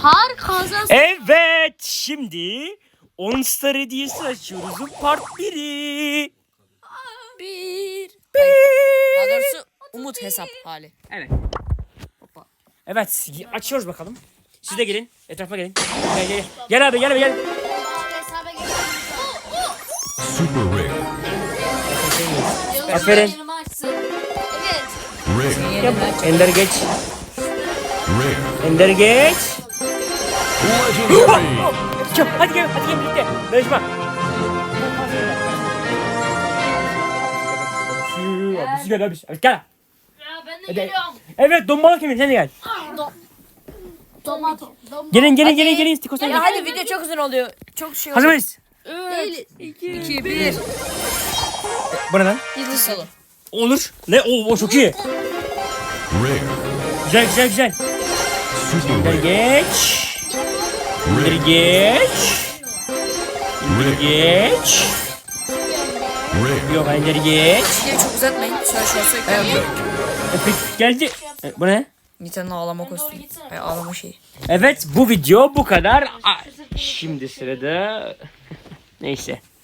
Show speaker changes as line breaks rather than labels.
Harika.
Evet, şimdi 10 star hediyesi açıyoruz. Bu part 1'i.
Daha doğrusu Umut hesap hali.
Evet. Evet, açıyoruz bakalım. Siz de gelin. Etrafa gelin. Gel gel. Gel abi, gel abi, gel.
Hesaba gel.
Super rare.
Aferin.
Yanıma açsın. Evet.
Rare.
Ender geç.
Rare.
Ender geç.
Legendary.
Çabuk, hadi gel birlikte. Danışma. Abisi gel abisi. Gel.
Ya ben de geliyorum.
Evet, dombalı kimin? Sen de gel.
Tomato.
Gelin. Stikosan
Ya
gel.
hadi video çok uzun oluyor. Çok şey
Hazır
oluyor.
mıyız?
2, 1.
Bu ne lan?
Yıldız salı.
Olur. Ne? O çok iyi.
Rare.
Güzel.
Super
Ender
rare.
geç. Ender
Rare.
geç.
Rare.
Geç.
Rare.
Yok, Ender geç.
Videoyu çok uzatmayın. Şöyle söyleyeyim.
Epic.
Epic geldi. Bu ne?
Nita'nın ağlama kostümü. Ay, ağlama şeyi.
Evet, bu video bu kadar. Şimdi sırada neyse.